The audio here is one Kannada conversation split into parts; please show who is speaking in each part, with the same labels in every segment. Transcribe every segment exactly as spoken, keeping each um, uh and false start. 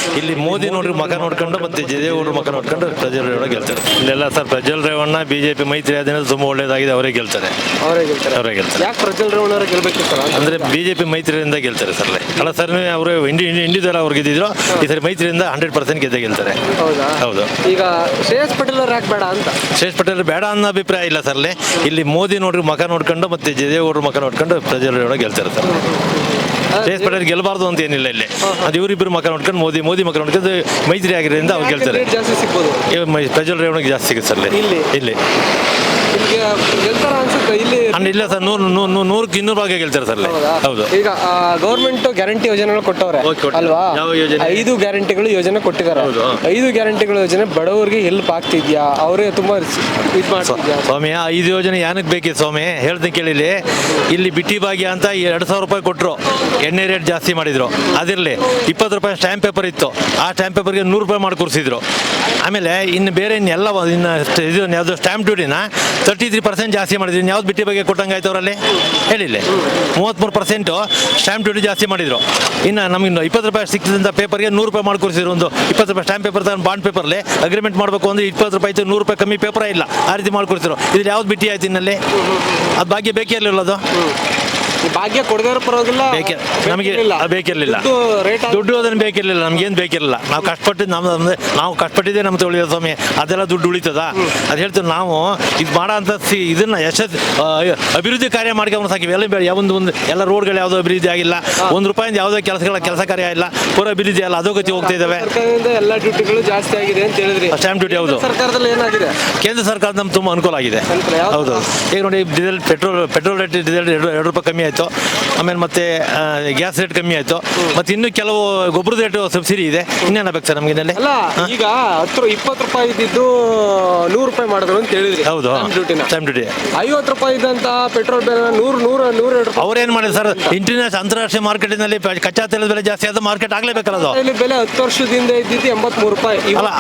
Speaker 1: ಇಲ್ಲಿ ಮೋದಿ ನೋಡ್ರಿ ಮಕ ನೋಡ್ಕೊಂಡು ಮತ್ತೆ ಜಯದೇವ್ರ ಮಕ ನೋಡ್ಕೊಂಡು ಪ್ರಜ್ವಲ್ ರೇವಣ್ಣ ಗೆಲ್ತಾರೆ. ಇಲ್ಲೆಲ್ಲ ಸರ್ ಪ್ರಜ್ವಲ್ ರೇವಣ್ಣ ಬಿಜೆಪಿ ಮೈತ್ರಿ ಆದ್ಮೇಲೆ ತುಂಬಾ ಒಳ್ಳೇದಾಗಿದೆ, ಅವರೇ ಗೆಲ್ತಾರೆ.
Speaker 2: ಅವರೇ ಗೆಲ್ತಾರೆ.
Speaker 1: ಅವರೇ ಗೆಲ್ತಾರೆ.
Speaker 2: ಯಾಕೆ ಪ್ರಜ್ವಲ್ ರೇವಣ್ಣ ಅವರು ಗೆಲ್ಬೇಕು ಸರ್?
Speaker 1: ಅಂದ್ರೆ ಬಿಜೆಪಿ ಮೈತ್ರಿಯಿಂದ ಗೆಲ್ತಾರೆ ಸರ್. ಅಲ್ಲ ಸರ್, ಅವರು ಇಂಡಿ ಇಂಡಿವಿಜುವಲ್ ಅವ್ರು ಗೆದ್ದಿದ್ರು, ಈ ಸರಿ ಮೈತ್ರಿಯಿಂದ ಹಂಡ್ರೆಡ್ ಪರ್ಸೆಂಟ್ ಗೆದ್ದೇ ಗೆಲ್ತಾರೆ.
Speaker 2: ಹೌದಾ?
Speaker 1: ಹೌದು.
Speaker 2: ಈಗ ಶ್ರೇಯಸ್ ಪಟೇಲ್ ಅವ್ರು ಯಾಕೆ ಬೇಡ ಅಂತ?
Speaker 1: ಶ್ರೇಯಸ್ ಪಟೇಲ್ ಬೇಡ ಅನ್ನೋ ಅಭಿಪ್ರಾಯ ಇಲ್ಲ ಸರ್. ಇಲ್ಲಿ ಮೋದಿ ನೋಡ್ರಿ ಮಕ ನೋಡ್ಕೊಂಡು ಮತ್ತೆ ಜಯದೇವ್ರ ಮಕ ನೋಡ್ಕೊಂಡು ಪ್ರಜ್ವಲ್ ರೇವಣ್ಣ ಗೆಲ್ತಾರೆ ಸರ್. ಶ್ರೇಯಸ್ ಪಟೇಲ್ ಗೆಲ್ಲಬಾರ್ದು ಅಂತ ಏನಿಲ್ಲ ಇಲ್ಲಿ. ಅದು ಇವರಿಬ್ಬರು ಮಕ ನೋಡ್ಕೊಂಡು ಮೋದಿ ಮೋದಿ ಮಕ ನೋಡ್ಕೊಂಡು ಮೈತ್ರಿ ಆಗಿರೋದ್ರಿಂದ ಅವ್ರು ಗೆಲ್ತಾರೆ.
Speaker 2: ಜಾಸ್ತಿ ಸಿಗ್ಬೋದು
Speaker 1: ಪ್ರಜ್ವಲ್ ರೇವಣ್ಣಿಗೆ ಜಾಸ್ತಿ ಸಿಗುತ್ತೆ ಸರ್ ಇಲ್ಲಿ. ಇಲ್ಲಿ
Speaker 2: ಗೆಲ್ತಾರ ಅನ್ಸುತ್ತೆ ಇಲ್ಲಿ.
Speaker 1: ಇಲ್ಲ ಸರ್, ನೂರು ನೂರಕ್ಕೆ ಇನ್ನೂರು ಭಾಗ ಗೆಲ್ತಾರೆ ಸರ್. ಹೌದು.
Speaker 2: ಈಗ ಗೌರ್ಮೆಂಟ್ ಗ್ಯಾರಂಟಿ ಯೋಜನೆಗಳು ಕೊಟ್ಟವ್ರೆ ಅಲ್ವಾ? ಐದು ಗ್ಯಾರಂಟಿಗಳು ಯೋಜನೆ ಕೊಟ್ಟಿದ್ದಾರೆ. ಐದು ಗ್ಯಾರಂಟಿಗಳು ಯೋಜನೆ ಬಡವರಿಗೆ ಹೆಲ್ಪ್ ಆಗ್ತಿದ್ಯಾ? ಅವರೇ ತುಂಬಾ ಇದು ಮಾಡ್ತಿದ್ಯಾ?
Speaker 1: ಸ್ವಾಮಿ, ಐದು ಯೋಜನೆ ಏನಕ್ಕೆ ಬೇಕಿತ್ತು ಸ್ವಾಮಿ ಹೇಳ್ತೀನಿ ಕೇಳಿಲಿ. ಇಲ್ಲಿ ಬಿಟ್ಟಿ ಭಾಗ್ಯ ಅಂತ ಎರಡು ಸಾವಿರ ರೂಪಾಯಿ ಕೊಟ್ಟರು, ಎಣ್ಣೆ ರೇಟ್ ಜಾಸ್ತಿ ಮಾಡಿದ್ರು. ಅದಿರಲಿ, ಇಪ್ಪತ್ತು ರೂಪಾಯಿ ಸ್ಟ್ಯಾಂಪ್ ಪೇಪರ್ ಇತ್ತು, ಆ ಸ್ಟ್ಯಾಂಪ್ ಪೇಪರ್ಗೆ ನೂರು ರೂಪಾಯಿ ಮಾಡಿ ಕೂರಿಸಿದ್ರು. ಆಮೇಲೆ ಇನ್ನು ಬೇರೆ ಇನ್ನೆಲ್ಲ ಇನ್ನು ಇದು ಯಾವುದು ಸ್ಟ್ಯಾಂಪ್ ಡ್ಯೂಟಿನ ತರ್ಟಿ ತ್ರೀ ಪರ್ಸೆಂಟ್ ಜಾಸ್ತಿ ಮಾಡಿದ್ರು. ಇನ್ನು ಯಾವ್ದು ಬಿಟ್ಟಿ ಬಗ್ಗೆ ಕೊಟ್ಟಂಗೆ ಆಯ್ತು ಅವರಲ್ಲಿ ಹೇಳಿಲ್ಲ. ಮೂವತ್ತ್ಮೂರು ಪರ್ಸೆಂಟು ಸ್ಟ್ಯಾಂಪ್ ಡ್ಯೂಟಿ ಜಾಸ್ತಿ ಮಾಡಿದ್ರು. ಇನ್ನು ನಮಗೆ ಇಪ್ಪತ್ತು ರೂಪಾಯಿ ಸಿಕ್ಕಿದಂಥ ಪೇಪರ್ಗೆ ನೂರು ರೂಪಾಯಿ ಮಾಡಿ ಕೂರಿಸಿದ್ರು. ಒಂದು ಇಪ್ಪತ್ತು ರೂಪಾಯಿ ಸ್ಟ್ಯಾಂಪ್ ಪೇಪರ್ ತಗೊಂಡು ಬಾಂಡ್ ಪೇಪರ್ಲೆ ಅಗ್ರಿಮೆಂಟ್ ಮಾಡಬೇಕು ಅಂದರೆ ಇಪ್ಪತ್ತು ರೂಪಾಯಿ ಇತ್ತು, ನೂರು ರೂಪಾಯಿ ಕಮ್ಮಿ ಪೇಪರೇ ಇಲ್ಲ, ಆ ರೀತಿ ಮಾಡಿ ಕೂರಿಸಿದ್ರು. ಇದ್ರಲ್ಲಿ ಯಾವ್ದು ಬಿಟ್ಟಿ ಆಯ್ತು ಇನ್ನಲ್ಲಿ? ಅದು ಭಾಗ್ಯ ಬೇಕೇ ಇರಲಿಲ್ಲ. ಅದು
Speaker 2: ಭಾಗ್ಯ ಕೊಡದೇ ಪರವಾಗಿಲ್ಲ,
Speaker 1: ಬೇಕೇ ನಮಗೆ ಬೇಕಿರಲಿಲ್ಲ. ದುಡ್ಡು ಅದನ್ನು ಬೇಕಿರಲಿಲ್ಲ, ನಮ್ಗೇನು ಬೇಕಿರಲಿಲ್ಲ. ನಾವು ಕಷ್ಟಪಟ್ಟಿದ್ದು ನಮ್ಮ ನಾವು ಕಷ್ಟಪಟ್ಟಿದ್ದೆ ನಮ್ಮ ತೊಳಿಯೋ ಸ್ವಾಮಿ. ಅದೆಲ್ಲ ದುಡ್ಡು ಉಳಿತದ? ಅದು ಹೇಳ್ತೀವಿ ನಾವು. ಇದು ಮಾಡೋ ಅಂತ ಸಿ ಇದನ್ನ ಯಶಸ್ ಅಭಿವೃದ್ಧಿ ಕಾರ್ಯ ಮಾಡ್ಕೊಂಡು ಸಾಕಿ. ಎಲ್ಲ ಬೇಡ ಯಾವೊಂದು ಒಂದು ಎಲ್ಲ ರೋಡ್ಗಳು ಯಾವುದೋ ಅಭಿವೃದ್ಧಿ ಆಗಿಲ್ಲ, ಒಂದು ರೂಪಾಯಿಂದ ಯಾವುದೋ ಕೆಲಸಗಳ ಕೆಲಸ ಕಾರ್ಯ ಇಲ್ಲ, ಪೂರ ಅಭಿವೃದ್ಧಿ ಅಲ್ಲ, ಅಧೋಗತಿ ಹೋಗ್ತಾ ಇದ್ದಾವೆ.
Speaker 2: ಎಲ್ಲ ಡ್ಯೂಟಿಗಳು ಜಾಸ್ತಿ ಆಗಿದೆ ಅಂತ ಹೇಳಿದ್ರಿ.
Speaker 1: ಸ್ಟ್ಯಾಂಪ್ ಡ್ಯೂಟಿ ಹೌದು.
Speaker 2: ಸರ್ಕಾರದಲ್ಲಿ ಏನಾಗಿದೆ?
Speaker 1: ಕೇಂದ್ರ ಸರ್ಕಾರದ ನಮ್ಗೆ ತುಂಬ ಅನುಕೂಲ ಆಗಿದೆ. ಹೌದು. ಈಗ ನೋಡಿ, diesel petrol petrol rate diesel ಎರಡು ಎರಡು ರೂಪಾಯಿ ಕಮ್ಮಿ ಆಯಿತು. ಆಮೇಲೆ ಮತ್ತೆ ಗ್ಯಾಸ್ ರೇಟ್ ಕಮ್ಮಿ ಆಯ್ತು. ಮತ್ತೆ ಇನ್ನು ಕೆಲವು ಗೊಬ್ಬರದ ರೇಟ್ ಸಬ್ಸಿಡಿ ಇದೆ. ಇನ್ನೇನ ಬೇಕು ಸರ್ ನಮ್ಗೆ?
Speaker 2: ಅಲ್ಲ, ಈಗ ಹತ್ತು ಇಪ್ಪತ್ತು ರೂಪಾಯಿ ಇದ್ದಿದ್ದು ನೂರು ರೂಪಾಯಿ ಮಾಡಿದ್ರು ಅಂತ ಹೇಳಿದ್ರಿ.
Speaker 1: ಹೌದು. ಸ್ಟ್ಯಾಂಪ್ ಡ್ಯೂಟಿ
Speaker 2: ಐವತ್ತು ರೂಪಾಯಿ ಇದ್ದಂತ ಪೆಟ್ರೋಲ್ ಬೆಲೆ ನೂರು ನೂರ ನೂರ ಎರಡು ರೂಪಾಯಿ.
Speaker 1: ಅವ್ರೇನ್ ಮಾಡಿದ್ರು ಸರ್? ಇಂಟರ್ನ್ಯಾಷನಲ್ ಅಂತಾರಾಷ್ಟ್ರೀಯ ಮಾರ್ಕೆಟ್ನಲ್ಲಿ ಕಚ್ಚಾ ತೈಲದ ಬೆಲೆ ಜಾಸ್ತಿ ಆದ ಮಾರ್ಕೆಟ್ ಆಗ್ಲೇಬೇಕಲ್ಲ. ಅದು
Speaker 2: ಬೆಲೆ ಹತ್ತು ವರ್ಷದಿಂದ ಇದ್ದಿದ್ದು ಎಂಬತ್ತ್ ಮೂರು ರೂಪಾಯಿ.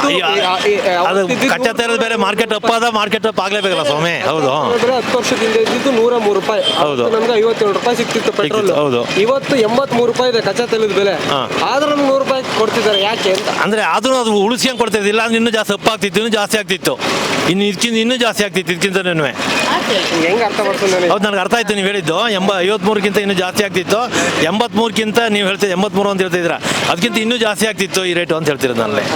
Speaker 1: ಅದು ಕಚ್ಚಾ ತೈಲದ ಬೆಲೆ ಮಾರ್ಕೆಟ್ ಅಪ್ ಆದ ಮಾರ್ಕೆಟ್ ಅಪ್ ಆಗ್ಲೇಬೇಕಲ್ಲ ಸ್ವಾಮಿ. ಹೌದು.
Speaker 2: ಹತ್ತು ವರ್ಷದಿಂದ ಇದ್ದಿದ್ದು ನೂರ ಮೂರು ರೂಪಾಯಿ. ಹೌದು. ನಮ್ಗೆ ಐವತ್ತೇಳು ರೂಪಾಯಿ ಸಿಕ್ತಿತ್ತು ಪೆಟ್ರೋಲ್.
Speaker 1: ಹೌದು.
Speaker 2: ಇವತ್ತು ಎಂಬತ್ತ್ ಮೂರು ರೂಪಾಯಿ ಇದೆ ಕಚ್ಚಾ ತೈಲದ ಬೆಲೆ. ಆದ್ರೂ ನಮ್ಗೆ ನೂರು ರೂಪಾಯಿ ಕೊಡ್ತಿದ್ದಾರೆ. ಯಾಕೆ ಅಂತ
Speaker 1: ಅಂದ್ರೆ ಆದ್ರೂ ಅದು ಉಳಿಸ್ಕೊಂಡ್ ಕೊಡ್ತಿದ್ದಿಲ್ಲ. ಇಲ್ಲ ಅಂದ್ರೆ ಇನ್ನೂ ಜಾಸ್ತಿ ಅಪ್ ಆಗ್ತಿತ್ತು, ಇನ್ನೂ ಜಾಸ್ತಿ ಆಗ್ತಿತ್ತು, ಇನ್ನು ಇದಕ್ಕಿಂತ ಇನ್ನೂ ಜಾಸ್ತಿ ಆಗ್ತಿತ್ತು. ಇದಕ್ಕಿಂತ
Speaker 2: ಹೆಂಗ್ ಅರ್ಥ ಮಾಡ್ಕೊಂಡು?
Speaker 1: ಹೌದು, ನನಗೆ ಅರ್ಥ ಆಯ್ತು ನೀವು ಹೇಳಿದ್ದು. ಎಂಬ ಐವತ್ಮೂರಕ್ಕಿಂತ ಇನ್ನೂ ಜಾಸ್ತಿ ಆಗ್ತಿತ್ತು. ಎಂಬತ್ಮೂರಕ್ಕಿಂತ ನೀವು ಹೇಳ್ತೀವಿ ಎಂಬತ್ಮೂರು ಅಂತ ಹೇಳ್ತಿದ್ರ, ಅದಕ್ಕಿಂತ ಇನ್ನೂ ಜಾಸ್ತಿ ಆಗ್ತಿತ್ತು ಈ ರೇಟು ಅಂತ ಹೇಳ್ತಿರೋದು ನನ್ನಲ್ಲಿ.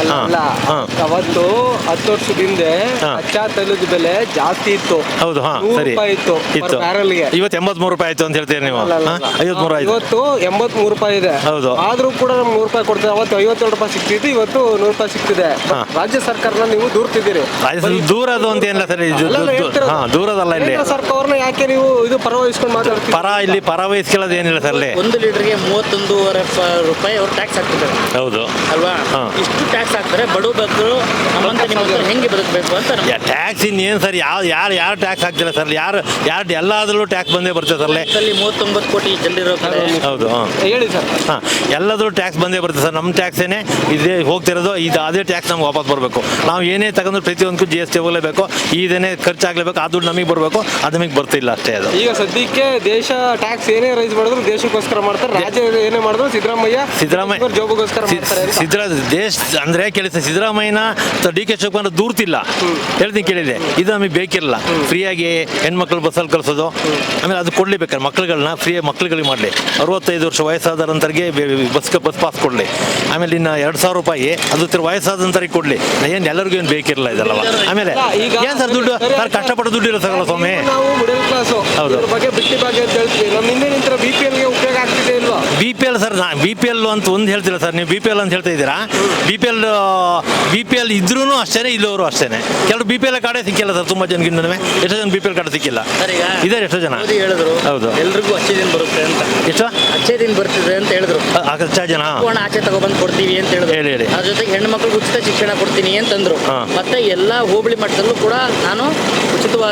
Speaker 2: ಅವತ್ತು ಹತ್ತು ವರ್ಷದಿಂದ ಕಚ್ಚಾ ತೈಲದ ಬೆಲೆ ಜಾಸ್ತಿ ಇತ್ತು.
Speaker 1: ಹೌದು. ಹಾ, ಸರಿ
Speaker 2: ಇತ್ತು ಇತ್ತು
Speaker 1: ಇವತ್ತು ಎಂಬತ್ಮೂರು ರೂಪಾಯಿ ಆಯ್ತು ಅಂತ ಹೇಳ್ತೀರಿ ನೀವು. ಐವತ್ಮೂರು ಆಯ್ತು.
Speaker 2: ಇವತ್ತು ಎಂಬತ್ತ್ ಮೂರು ರೂಪಾಯಿ ಇದೆ.
Speaker 1: ಹೌದು.
Speaker 2: ಆದ್ರೂ ಕೂಡ ನಮ್ಗೆ ನೂರು ರೂಪಾಯಿ ಕೊಡ್ತಾರೆ. ಅವತ್ತು ಐವತ್ತೇಳು ರೂಪಾಯಿ ಸಿಕ್ತಿತ್ತು, ಇವತ್ತು ನೂರು ರೂಪಾಯಿ ಸಿಗ್ತಿದೆ. ರಾಜ್ಯ ಸರ್ಕಾರನ ನೀವು ದೂರ್ತಿದ್ದೀರಿ.
Speaker 1: ದೂರದು ಅಂತ ಏನಿಲ್ಲ ಸರ್, ದೂರದಲ್ಲ. ಇಲ್ಲಿ
Speaker 2: ಸರ್ಕಾರನ ಯಾಕೆ ನೀವು ಇದು ಪರವಹಿಸ್ಕೊಂಡು ಮಾತಾಡ್ತೀವಿ?
Speaker 1: ಪರ ಇಲ್ಲಿ ಪರ ವಹಿಸ್ಕೊಳ್ಳೋದು ಏನಿಲ್ಲ ಸರ್. ಇಲ್ಲಿ
Speaker 3: ಒಂದು ಲೀಟರ್ಗೆ ಮೂವತ್ತೊಂದೂವರೆ ರೂಪಾಯಿ ಅವ್ರು ಟ್ಯಾಕ್ಸ್ ಹಾಕ್ತಿದ್ದಾರೆ.
Speaker 1: ಹೌದು
Speaker 3: ಅಲ್ವಾ? ಇಷ್ಟು ಟ್ಯಾಕ್ಸ್ ಹಾಕ್ತಾರೆ. ಬಡವ ಬಗ್ಗರು ನಮ್ಮಂತ ನಿಮ್ಮ ಹೆಂಗೆ ಬದುಕಬೇಕು ಅಂತ.
Speaker 1: ಟ್ಯಾಕ್ಸ್ ಇನ್ನೇನು ಸರ್? ಯಾವ ಯಾರು ಯಾರು ಟ್ಯಾಕ್ಸ್ ಹಾಕ್ತಿಲ್ಲ ಸರ್. ಯಾರು ಯಾರು ಎಲ್ಲಾದ್ರೂ ಟ್ಯಾಕ್ಸ್ ಬಂದೇ ಬರ್ತದೆ ಸರ್.
Speaker 3: ಅಲ್ಲಿ ಮೂವತ್ತೊಂಬತ್ತು ಕೋಟಿ ಜನರಿರೋ ಕಡೆ.
Speaker 1: ಹೌದು.
Speaker 2: ಹೇಳಿ ಸರ್.
Speaker 1: ಹಾಂ, ಎಲ್ಲಾದ್ರೂ ಟ್ಯಾಕ್ಸ್ ಬಂದೇ ಬರ್ತದೆ ಸರ್. ನಮ್ಮ ಟ್ಯಾಕ್ಸೇನೆ ಇದೇ ಹೋಗ್ತಿರೋದು. ಇದು ಅದೇ ಟ್ಯಾಕ್ಸ್ ನಮ್ಗೆ ವಾಪಸ್ ಬರಬೇಕು. ನಾವು ಏನೇ ತಗೊಂಡ್ರು ಪ್ರತಿಯೊಂದಕ್ಕೂ ಜಿ ಎಸ್ ಟಿ ಹೋಗಲೇಬೇಕು. ಇದೇನೇ ಖರ್ಚಾಗಲೇಬೇಕು. ಆ ದುಡ್ಡು ನಮಗೆ ಬರಬೇಕು. ಅದು ನಮಗೆ ಬರ್ತಿಲ್ಲ ಅಷ್ಟೇ. ಅದು
Speaker 2: ಈಗ ಸದ್ಯಕ್ಕೆ ದೇಶ ಟ್ಯಾಕ್ಸ್ ಏನೇ ರೈಸ್ ಮಾಡಿದ್ರು ದೇಶಕ್ಕೋಸ್ಕರ ಮಾಡ್ತಾರೆ. ರಾಜ್ಯ ಏನೇ ಮಾಡಿದ್ರು ಸಿದ್ದರಾಮಯ್ಯ ಸಿದ್ದರಾಮಯ್ಯ ಜೋಬಗೋಸ್ಕರ
Speaker 1: ಸಿದ್ದರಾ ದೇಶ ಅಂದ್ರೆ ಕೇಳಿ ಸಿದ್ದರಾಮಯ್ಯನ ಡಿ ಕೆ ಶಿವಕುಮಾರ್ ದೂರ್ತಿಲ್ಲ. ಹೇಳ್ತೀನಿ ಕೇಳಿದೆ, ಇದು ನಮಗೆ ಬೇಕಿರಲ್ಲ. ಫ್ರೀಯಾಗಿ ಹೆಣ್ಮಕ್ಳು ಬಸ್ಸಲ್ಲಿ ಕಳಿಸೋದು, ಆಮೇಲೆ ಅದು ಕೊಡ್ಲೇಬೇಕಾರೆ ಮಕ್ಳುಗಳನ್ನ ಫ್ರೀ ಮಕ್ಳುಗಳಿಗೆ ಮಾಡಲಿ. ಅರವತ್ತೈದು ವರ್ಷ ವಯಸ್ಸಾದಂತರಿಗೆ ಬಸ್ ಬಸ್ ಪಾಸ್ ಕೊಡಲಿ. ಆಮೇಲೆ ಇನ್ನು ಎರಡು ಸಾವಿರ ರೂಪಾಯಿ ಅದು ವಯಸ್ಸಾದಂತರಿಗೆ ಕೊಡಲಿ. ಏನು ಎಲ್ಲರಿಗೂ ಏನು ಬೇಕಿರಲ್ಲ ಇದಲ್ಲವ. ಆಮೇಲೆ ಏನು ಸರ್ ದುಡ್ಡು ಸರ್, ಕಷ್ಟಪಟ್ಟು ದುಡ್ಡು ಇರುತ್ತಲ್ಲ ಸ್ವಾಮಿ.
Speaker 2: ನಾವು ಮಿಡಲ್ ಕ್ಲಾಸ್
Speaker 1: ಹೌದು.
Speaker 2: ಬಗ್ಗೆ ಬಿಟ್ಟಿ ಬಗ್ಗೆ ಅಂತ ಹೇಳ್ತೀವಿ. ನಮ್ಮ ಹಿಂದೆ ನಿಂತರ ಬಿ ಪಿ ಎಲ್ಗೆ ಉಪಯೋಗ ಆಗ್ತಿದೆ ಇಲ್ವಾ?
Speaker 1: ಬಿ ಪಿ ಎಲ್ ಸರ್, ನಾ ಬಿ ಪಿ ಎಲ್ ಅಂತ ಒಂದು ಹೇಳ್ತಿಲ್ಲ ಸರ್. ನೀವು ಬಿ ಪಿ ಎಲ್ ಅಂತ ಹೇಳ್ತಾ ಇದ್ದೀರಾ. B P L B P L ಇದ್ರೂ ಅಷ್ಟೇ, ಇಲ್ಲವರು ಅಷ್ಟೇ. ಕೆಲವು ಬಿ ಪಿ ಎಲ್ ಕಾರ್ಡೇ ಸಿಕ್ಕಿಲ್ಲ ಸರ್. ತುಂಬ ಜನಗಿಂತ ಎಷ್ಟೋ ಜನ ಬಿ ಪಿ ಎಲ್ ಕಾರ್ಡ್ ಸಿಕ್ಕಿಲ್ಲ ಇದ್ದಾರೆ. ಎಷ್ಟೋ ಜನ ಹೇಳಿದ್ರು. ಹೌದು.
Speaker 3: ಎಲ್ರಿಗೂ ಅಚ್ಚೆ ದಿನ ಬರುತ್ತೆ ಅಂತ.
Speaker 1: ಎಷ್ಟು
Speaker 3: ಅಚ್ಚೆ ದಿನ ಬರ್ತಿದೆ ಅಂತ ಹೇಳಿದ್ರು.
Speaker 1: ಅಚ್ಚ ಜನ
Speaker 3: ಆಚೆ ತಗೊಬಂದು ಕೊಡ್ತೀವಿ ಅಂತ ಹೇಳಿದ್ರು.
Speaker 1: ಹೇಳಿ ಹೇಳಿ
Speaker 3: ಅದ್ರ ಜೊತೆಗೆ ಹೆಣ್ಣು ಮಕ್ಕಳಿಗೆ ಉಚಿತ ಶಿಕ್ಷಣ ಕೊಡ್ತೀನಿ ಅಂತಂದ್ರು. ಮತ್ತೆ ಎಲ್ಲಾ ಹೋಬಳಿ ಮಟ್ಟದಲ್ಲೂ ಕೂಡ ನಾನು ಉಚಿತವಾಗಿ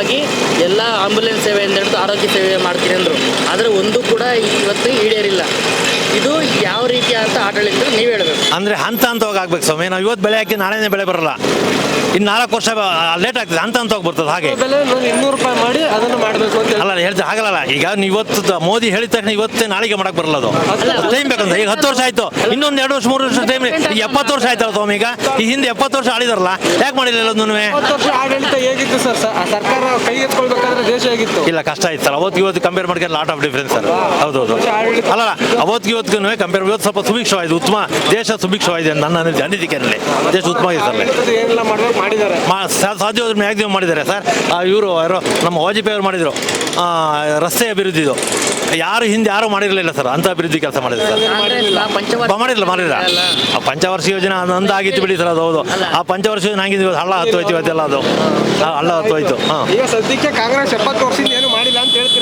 Speaker 3: ಎಲ್ಲ ಆಂಬುಲೆನ್ಸ್ ಸೇವೆಯಿಂದ ಹಿಡಿದು ಆರೋಗ್ಯ ಸೇವೆ ಮಾಡ್ತೀನಿ ಅಂದರು, ಆದರೆ ಒಂದು ಕೂಡ ಇವತ್ತು ಈಡೇರಿಲ್ಲ. ಇದು ಯಾವ ರೀತಿ ಅಂತ ಆಡಳಿತ ನೀವು ಹೇಳಬೇಕು.
Speaker 1: ಅಂದರೆ ಹಂತ ಹಂತವಾಗಿ ಆಗ್ಬೇಕು ಸ್ವಾಮಿ. ನಾವು ಇವತ್ತು ಬೆಳೆ ಹಾಕಿ ನಾಳೆನೇ ಬೆಳೆ ಬರಲ್ಲ, ಇನ್ನು ನಾಲ್ಕು ವರ್ಷ ಲೇಟ್ ಆಗ್ತದೆ, ಹಂತ ಹಂತವಾಗಿ ಬರ್ತದೆ. ಹಾಗೆ
Speaker 2: ಬೆಲೆ ಇನ್ನೂರು ರೂಪಾಯಿ ಮಾಡಿ ಅದನ್ನು ಮಾಡಬೇಕು ಅಂತ
Speaker 1: ಅಲ್ಲ ಹೇಳ್ತಾ ಆಗಲ್ಲ. ಈಗ ನೀವು ಇವತ್ತು ಮೋದಿ ಹೇಳಿದ ತಕ್ಷಣ ಇವತ್ತೇ ನಾಳೆಗೆ ಮಾಡಕ್ ಬರಲ್ಲ, ಅದು ಟೈಮ್ ಬೇಕಂತ. ಈಗ ಹತ್ತು ವರ್ಷ ಆಯ್ತು, ಇನ್ನೊಂದು ಎರಡು ವರ್ಷ ಮೂರು ವರ್ಷ ಟೈಮ್. ಈಗ ಎಪ್ಪತ್ತು ವರ್ಷ ಆಯ್ತಲ್ಲ ಸ್ವಾಮಿ. ಈಗ ಈ ಹಿಂದೆ ಎಪ್ಪತ್ತು ವರ್ಷ ಆಳಿದಾರಲ್ಲ, ಯಾಕೆ ಮಾಡಿಲ್ಲ ಎಲ್ಲದನ್ನೂ?
Speaker 2: ಇಪ್ಪತ್ತು ವರ್ಷ ಆಡಳಿತ ಹೇಗಿತ್ತು ಸರ್? ಸರ್ಕಾರ ಕೈ ಎತ್ಕೊಳ್ಬೇಕಾದ್ರೆ ದೇಶ ಹೇಗಿತ್ತು?
Speaker 1: ಇಲ್ಲ, ಕಷ್ಟ ಆಯ್ತು ಸರ್. ಅವತ್ತು ಇವತ್ತು ಕಂಪೇರ್ ಮಾಡ್ಕೊಂಡು ಲಾಟ್ ಆಫ್ ಡಿಫ್ರೆನ್ಸ್ ಸರ್. ಹೌದೌದು. ಅಲ್ಲ ಅವತ್ತು ಇವತ್ತು ಕಂಪೇರ್ ಇವತ್ತು ಸ್ವಲ್ಪ ಸುಭಿಕ್ಷವಾಗಿದೆ, ಉತ್ತಮ ದೇಶ ಸುಭಿಕ್ಷವಾಗಿದೆ ನನ್ನ ಅನಿಸಿಕೆಯಲ್ಲಿ. ದೇಶ ಉತ್ತಮ ಇದೆ ಸರ್.
Speaker 2: ಏನೆಲ್ಲ ಮಾಡ್ಬೇಕು ಮಾಡಿದ್ದಾರೆ,
Speaker 1: ಸಾಧ್ಯ ಮ್ಯಾಕ್ಸಿಮಮ್ ಮಾಡಿದ್ದಾರೆ ಸರ್. ಇವರು ಯಾರೋ ನಮ್ಮ ವಾಜಪೇಯಿ ಅವರು ಮಾಡಿದರು ರಸ್ತೆ ಅಭಿವೃದ್ಧಿದು. ಯಾರು ಹಿಂದೆ ಯಾರು ಮಾಡಿರಲಿಲ್ಲ ಸರ್, ಅಂತ ಅಭಿವೃದ್ಧಿ ಕೆಲಸ ಮಾಡಿದ್ರು ಸರ್. ಮಾಡಿರಲಿಲ್ಲ ಮಾಡಿಲ್ಲ ಆ ಪಂಚವರ್ಷ ಯೋಜನೆ ಅಂದ ಆಗಿತ್ತು ಬಿಡಿ ಸರ್, ಅದು ಹೌದು. ಆ ಪಂಚವರ್ಷ ಯೋಜನೆ ಹಂಗಿದ್ವಿ, ಹಳ್ಳ ಹತ್ತು ಹೋಯ್ತು ಇವತ್ತೆಲ್ಲ, ಅದು ಹಳ್ಳ ಹತ್ತು ಹೋಯ್ತು. ಹಾಂ,
Speaker 2: ಈಗ ಸದ್ಯಕ್ಕೆ ಕಾಂಗ್ರೆಸ್ ಎಪ್ಪತ್ತು ವರ್ಷದಿಂದ ಏನು ಮಾಡಿಲ್ಲ ಅಂತ ಹೇಳ್ತೀರಾ?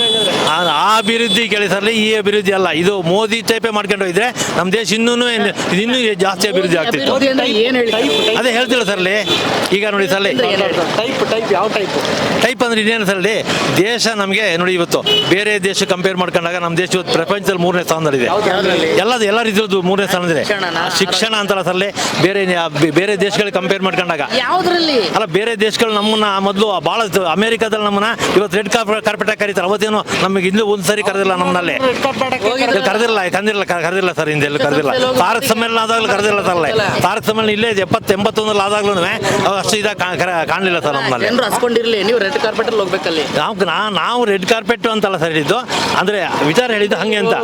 Speaker 1: ಆ ಅಭಿವೃದ್ಧಿ ಕೇಳಿ ಸರ್ಲಿ, ಈ ಅಭಿವೃದ್ಧಿ ಅಲ್ಲ. ಇದು ಮೋದಿ ಟೈಪೇ ಮಾಡ್ಕೊಂಡು ಹೋಗಿದ್ರೆ ನಮ್ಮ ದೇಶ ಇನ್ನೂ ಇನ್ನೂ ಜಾಸ್ತಿ ಅಭಿವೃದ್ಧಿ ಆಗ್ತಿತ್ತು.
Speaker 3: ಏನು ಹೇಳಿ
Speaker 1: ಅದೇ ಹೇಳ್ತಿಲ್ಲ ಸರ್ಲಿ. ಈಗ ನೋಡಿ ಸರ್ಲಿ,
Speaker 2: ಟೈಪ್ ಟೈಪ್ ಯಾವ ಟೈಪ್
Speaker 1: ಟೈಪ್ ಅಂದ್ರೆ ಇನ್ನೇನು ಸರ್ಲಿ, ದೇಶ ನಮಗೆ ನೋಡಿ ಇವತ್ತು ಬೇರೆ ದೇಶ ಕಂಪೇರ್ ಮಾಡ್ಕೊಂಡಾಗ ನಮ್ಮ ದೇಶ ಇವತ್ತು ಪ್ರಪಂಚದಲ್ಲಿ ಮೂರನೇ ಸ್ಥಾನದಲ್ಲಿದೆ. ಎಲ್ಲದು ಎಲ್ಲ ರೀತಿಯದ್ದು ಮೂರನೇ ಸ್ಥಾನದಲ್ಲಿದೆ. ಶಿಕ್ಷಣ ಅಂತಲ್ಲ ಸರ್ಲಿ, ಬೇರೆ ಬೇರೆ ದೇಶಗಳಿಗೆ ಕಂಪೇರ್ ಮಾಡ್ಕೊಂಡಾಗ
Speaker 3: ಯಾವುದರಲ್ಲಿ
Speaker 1: ಅಲ್ಲ, ಬೇರೆ ದೇಶಗಳು ನಮ್ಮನ್ನ ಮೊದಲು ಭಾಳ ಅಮೆರಿಕಾದಲ್ಲಿ ನಮ್ಮನ್ನ ಇವತ್ತು ರೆಡ್ ಕಾರ್ಪೆಟ್ ಕರೀತಾರೆ. ಅವತ್ತೇನು ನಮಗೆ ಇನ್ನೂ ಒಂದು ಸರಿ ಕರೆದಿಲ್ಲ, ನಮ್ಮಲ್ಲಿ ಕರೆದಿಲ್ಲ ಕರೆದಿಲ್ಲ ಕರೆದಿಲ್ಲ ಸರ್. ಹಿಂದೆ ಎಲ್ಲೂ ಕರೆದಿಲ್ಲ. ತಾರಕ ಸಮ್ಮೇಳನ ಆದಾಗಲೂ ಕರೆದಿಲ್ಲ ಸರ್. ತಾರಕ ಸಮ್ಮೇಳನ ಇಲ್ಲೇ ಎಪ್ಪತ್ತು ಎಂಬತ್ತೊಂದಲ್ಲಿ ಆದಾಗ್ಲೂ ಅಷ್ಟು ಇದಾಗ ಕಾಣಲಿಲ್ಲ ಸರ್ ನಮ್ಮಲ್ಲಿ.
Speaker 3: ಜನರು ಹಸ್ಕೊಂಡಿರ್ಲಿ, ನೀವು ರೆಡ್ ಕಾರ್ಪೆಟ್ ಅಲ್ಲಿ ಹೋಗ್ಬೇಕಲ್ಲಿ.
Speaker 1: ನಾವು ನಾವು ರೆಡ್ ಕಾರ್ಪೆಟ್ ಅಂತಲ್ಲ ಸರ್ ಹೇಳಿದ್ದು, ಅಂದ್ರೆ ವಿಚಾರ ಹೇಳಿದ್ದು ಹಂಗೆ ಅಂತ.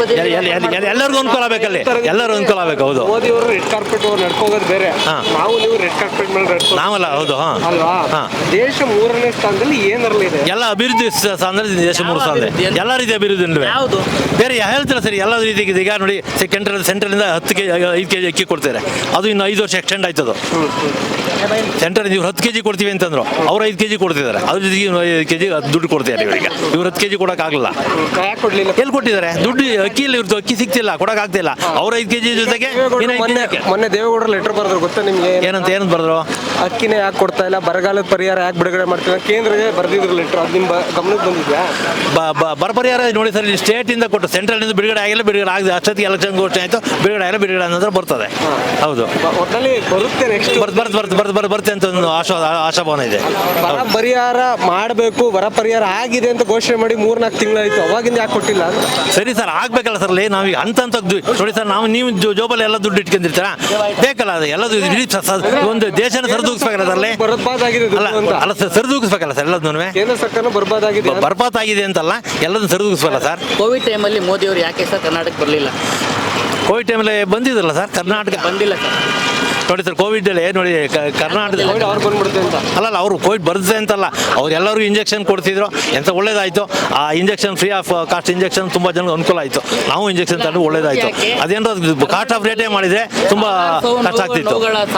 Speaker 1: ಎಲ್ಲರಿಗೂ ಅನುಕೂಲ ಆಗಬೇಕಲ್ಲಿ, ಎಲ್ಲರೂ ಅನುಕೂಲ ಆಗಬೇಕು. ಹೌದು,
Speaker 2: ಮೋದಿ ಅವರು ರೆಡ್ ಕಾರ್ಪೆಟ್ ನಡ್ಕೋಗೋದು ಬೇರೆ, ನಾವು ನೀವು ರೆಡ್ ಕಾರ್ಪೆಟ್ ಮೇಲೆ ನಡ್ಕೋ
Speaker 1: ನಾವಲ್ಲ. ಹೌದು, ಹಾ
Speaker 2: ಅಲ್ವಾ? ದೇಶ ಮೂರನೇ ಸ್ಥಾನದಲ್ಲಿ ಏನರಲ್ಲಿ ಇದೆ?
Speaker 1: ಎಲ್ಲ ಅಭಿವೃದ್ಧಿ ಸ್ಥಾನದಲ್ಲಿ ದೇಶ ಮೂರು ಸ್ಥಾನ, ಎಲ್ಲ ರೀತಿಯ ಅಭಿವೃದ್ಧಿ ಇಲ್ವೇ?
Speaker 3: ಯಾವುದು
Speaker 1: ಬೇರೆ ಹೇಳ್ತೀರ ಸರಿ, ಎಲ್ಲ ರೀತಿಗೆ. ಈಗ ನೋಡಿ ಸೆಂಟ್ರಲ್ ಸೆಂಟ್ರಲಿಂದ ಹತ್ತು ಕೆ ಐದು ಕೆ ಜಿ ಅಕ್ಕಿ ಕೊಡ್ತಾರೆ, ಅದು ಇನ್ನು ಐದು ವರ್ಷ ಎಕ್ಸ್ಟೆಂಡ್ ಆಯ್ತದು. ಸೆಂಟ್ರಲ್ ಇವ್ರು ಹತ್ತು ಕೆ ಜಿ ಕೊಡ್ತೀವಿ ಅಂತಂದ್ರು, ಅವ್ರು ಐದು ಕೆ ಜಿ ಕೊಡ್ತಿದ್ದಾರೆ. ಅದ್ರ ಜೊತೆಗೆ ಐದು ಕೆ ಜಿ ದುಡ್ಡು ಕೊಡ್ತಿದ್ದಾರೆ ಇವರಿಗೆ. ಇವ್ರು ಹತ್ತು ಕೆ ಜಿ ಕೊಡೋಕ್ಕಾಗಲ್ಲ. ಎಲ್ಲಿ ಕೊಟ್ಟಿದ್ದಾರೆ ದುಡ್ಡು? ಅಕ್ಕಿ ಇಲ್ಲ, ಇವ್ರದ್ದು ಅಕ್ಕಿ ಸಿಗ್ತಿಲ್ಲ, ಕೊಡೋಕ್ಕಾಗ್ತಿಲ್ಲ. ಅವ್ರ ಐದು ಕೆ ಜಿ ಜೊತೆಗೆ
Speaker 2: ಮೊನ್ನೆ ದೇವೇಗೌಡರು ಲೆಟರ್ ಬರೆದ್ರು, ಗೊತ್ತಾ ನಿಮ್ಗೆ?
Speaker 1: ಏನಂತ ಏನಂತ ಬರೆದ್ರು?
Speaker 2: ಅಕ್ಕಿನೇ ಯಾಕೆ ಕೊಡ್ತಾ ಇಲ್ಲ, ಬರಗಾಲದ ಪರಿಹಾರ ಯಾಕೆ ಬಿಡುಗಡೆ ಮಾಡ್ತಿಲ್ಲ, ಕೇಂದ್ರಕ್ಕೆ ಬರೆದಿದ್ರು ಲೆಟರ್. ಅದು ನಿಮ್ಮ ಗಮನಕ್ಕೆ ಬಂದಿದ್ಯಾ?
Speaker 1: ಬರ ಪರಿಹಾರ ನೋಡಿ ಸರ್, ಸ್ಟೇಟ್ ಇಂದ ಕೊಟ್ಟು ಸೆಂಟ್ರಲ್ ಇಂದ ಬಿಡುಗಡೆ ಆಗಿಲ್ಲ, ಬಿಡುಗಡೆ ಆಗಿದೆ. ಅಷ್ಟೊತ್ತಿಗೆ ಎಲೆಕ್ಷನ್ ಘೋಷಣೆ ಆಯ್ತು, ಬಿಡುಗಡೆ ಆಗಿಲ್ಲ, ಬಿಡುಗಡೆ ಅನ್ನೋದ್ರ ಬರ್ತದೆ. ಹೌದು,
Speaker 2: ಒಟ್ಟಲ್ಲಿ ಬರುತ್ತೆ. ನೆಕ್ಸ್ಟ್
Speaker 1: ಬರ್ತ ಬರ್ತ ಬರ್ತ ಬರ್ತ ಬರ್ತ ಬರುತ್ತೆ ಅಂತ ಒಂದು ಆಶಾ ಆಶಾಭಾವನೆ ಇದೆ.
Speaker 2: ಬರ ಪರಿಹಾರ ಮಾಡಬೇಕು, ಬರ ಪರಿಹಾರ ಆಗಿದೆ ಅಂತ ಘೋಷಣೆ ಮಾಡಿ ಮೂರ್ನಾಲ್ಕು ತಿಂಗಳಾಯ್ತು, ಅವಾಗಿಂದ ಯಾಕೆ ಕೊಟ್ಟಿಲ್ಲ?
Speaker 1: ಸರಿ ಸರ್, ಆಗ್ಬೇಕಲ್ಲ ಸರ್. ನಾವು ಈಗ ಅಂತ ಅಂತ ನೋಡಿ ಸರ್, ನಾವು ನೀವು ಜೋಬಲ್ಲಿ ಎಲ್ಲ ದುಡ್ಡು ಇಟ್ಕೊಂಡಿರ್ತೀರ, ಬೇಕಲ್ಲ ಅದು ಎಲ್ಲದು. ಒಂದು ದೇಶನ ಸರಿದೂಗಿಸ್ಬೇಕಲ್ಲ ಅದರಲ್ಲಿ,
Speaker 2: ಬರ್ಬಾದಾಗಿದೆ
Speaker 1: ಅಲ್ಲ ಅಲ್ಲ ಸರ್, ಸರಿದೂಗಿಸ್ಬೇಕಲ್ಲ ಸರ್ ಎಲ್ಲದನ್ನೂ.
Speaker 2: ಕೇಂದ್ರ ಸರ್ಕಾರ ಬರ್ಬಾದಾಗಿದೆ,
Speaker 1: ಬರ್ಬಾದ್ ಆಗಿದೆ ಅಂತಲ್ಲ, ಎಲ್ಲದನ್ನು ಸರಿದೂಗಿಸ್ಬೇಕಲ್ಲ ಸರ್.
Speaker 3: ಕೋವಿಡ್ ಟೈಮಲ್ಲಿ ಮೋದಿ ಅವರು ಯಾಕೆ ಸರ್ ಕರ್ನಾಟಕ ಬರಲಿಲ್ಲ?
Speaker 1: ಕೋವಿಡ್ ಟೈಮಲ್ಲಿ ಬಂದಿದ್ರಲ್ಲ ಸರ್, ಕರ್ನಾಟಕ
Speaker 3: ಬಂದಿಲ್ಲ ಸರ್.
Speaker 1: ನೋಡಿ ಸರ್, ಕೋವಿಡ್ ಅಲ್ಲಿ ನೋಡಿ ಕರ್ನಾಟಕ
Speaker 2: ಅವ್ರು ಬಂದ್ಬಿಡುತ್ತೆ ಅಂತ
Speaker 1: ಅಲ್ಲಲ್ಲ, ಅವರು ಕೋವಿಡ್ ಬರುತ್ತೆ ಅಂತಲ್ಲ, ಅವ್ರು ಎಲ್ಲರಿಗೂ ಇಂಜೆಕ್ಷನ್ ಕೊಡ್ತಿದ್ರು, ಎಂತ ಒಳ್ಳೇದಾಯ್ತು. ಆ injection free of cost injection ತುಂಬಾ ಜನಕ್ಕೆ ಅನುಕೂಲ ಆಯ್ತು. ನಾವು ಇಂಜೆಕ್ಷನ್ ತಗೊಂಡು ಒಳ್ಳೇದಾಯ್ತು. ಅದೇನೋ ಕಾಸ್ಟ್ ಆಫ್ ರೇಟೇ ಮಾಡಿದ್ರೆ ತುಂಬಾ ಕಷ್ಟ ಆಗ್ತಿತ್ತು.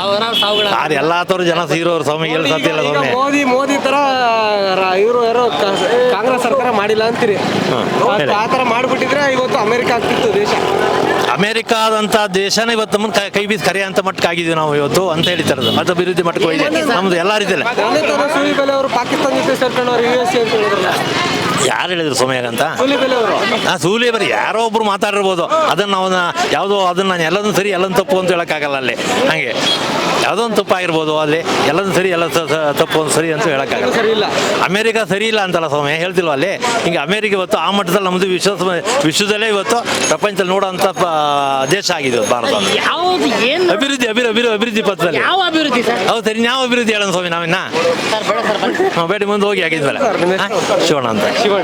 Speaker 1: ಅದು ಎಲ್ಲಾ ತರ ಜನ ಸೀರೋರು ಸ್ವಾಮಿ, ಹೇಳಿ ಸಾಧ್ಯ ಇಲ್ಲ ಸ್ವಾಮಿ.
Speaker 2: ಮೋದಿ ಮೋದಿ ತರ ಇವರು ಯಾರೋ ಕಾಂಗ್ರೆಸ್ ಸರ್ಕಾರ ಮಾಡಿಲ್ಲ ಅಂತೀರಿ. ಆ ತರ ಮಾಡ್ಬಿಟ್ಟಿದ್ರೆ ಇವತ್ತು ಅಮೆರಿಕ ಆಗ್ತಿತ್ತು ದೇಶ.
Speaker 1: ಅಮೆರಿಕಾದಂತ ದೇಶನ ಇವತ್ತು ನಮ್ಮನ್ನು ಕೈ ಬೀಸಿ ಕರೆ ಅಂತ ಮಟ್ಟಕ್ಕೆ ಆಗಿದ್ವಿ ನಾವು ಇವತ್ತು ಅಂತ ಹೇಳ್ತಾರೆ. ಅದು ಅಭಿವೃದ್ಧಿ ಮಟ್ಟಕ್ಕೆ ಹೋಗಿದೆ ನಮ್ದು ಎಲ್ಲ ರೀತಿಯಲ್ಲಿ.
Speaker 2: ಅವರು ಪಾಕಿಸ್ತಾನ ಜೊತೆ ಸೇರ್ಕೊಂಡವ್ರು ಯು ಎಸ್ ಎ ಅಂತ ಹೇಳಿದ್ರಲ್ಲ,
Speaker 1: ಯಾರು ಹೇಳಿದ್ರು ಸೋಮ್ಯಾಗ ಅಂತ?
Speaker 2: ಅವರು
Speaker 1: ಆ ಸೂಲಿ ಬರೀ ಯಾರೋ ಒಬ್ರು ಮಾತಾಡಿರ್ಬೋದು, ಅದನ್ನ ನಾವು ಯಾವುದೋ ಅದನ್ನ ನಾನು ಎಲ್ಲದೂ ಸರಿ ಎಲ್ಲದನ್ನು ತಪ್ಪು ಅಂತ ಹೇಳಕ್ಕಾಗಲ್ಲ. ಅಲ್ಲಿ ಹಂಗೆ ಯಾವುದೋ ಒಂದು ತಪ್ಪು ಆಗಿರ್ಬೋದು, ಅಲ್ಲಿ ಎಲ್ಲದೂ ಸರಿ ಎಲ್ಲ ತಪ್ಪು ಒಂದು ಸರಿ ಅಂತ ಹೇಳಕ್ಕಾಗಲ್ಲ.
Speaker 2: ಸರಿ ಇಲ್ಲ,
Speaker 1: ಅಮೆರಿಕ ಸರಿ ಇಲ್ಲ ಅಂತಲ್ಲ ಸೌಮ್ಯ, ಹೇಳ್ತಿಲ್ವ ಅಲ್ಲಿ. ಹಿಂಗೆ ಅಮೆರಿಕ ಇವತ್ತು ಆ ಮಟ್ಟದಲ್ಲಿ ನಮ್ಮದು ವಿಶ್ವ ವಿಶ್ವದಲ್ಲೇ ಇವತ್ತು ಪ್ರಪಂಚದಲ್ಲಿ ನೋಡೋಂಥ ದೇಶ ಆಗಿದೆ ಭಾರತ.
Speaker 3: ಯಾವುದು ಏನು
Speaker 1: ಅಭಿವೃದ್ಧಿ ಅಭಿವೃದ್ಧಿ ಅಭಿವೃದ್ಧಿ ಅಭಿವೃದ್ಧಿ ಪಥದಲ್ಲಿ
Speaker 3: ಯಾವ ಅಭಿವೃದ್ಧಿ ಸರ್?
Speaker 1: ಹೌದು ಸರಿ, ಯಾವ ಅಭಿವೃದ್ಧಿ ಹೇಳೋಣ ಸ್ವಾಮಿ ನಾವಿನ್ನ
Speaker 3: ಸರ್ ಬೇಡ ಸರ್ ಬನ್ನಿ.
Speaker 1: ಬೇಡಿ ಮುಂದೆ ಹೋಗಿ ಆಗಿದ್ಮೇಲೆ ಶಿವಣ್ಣ ಅಂತ.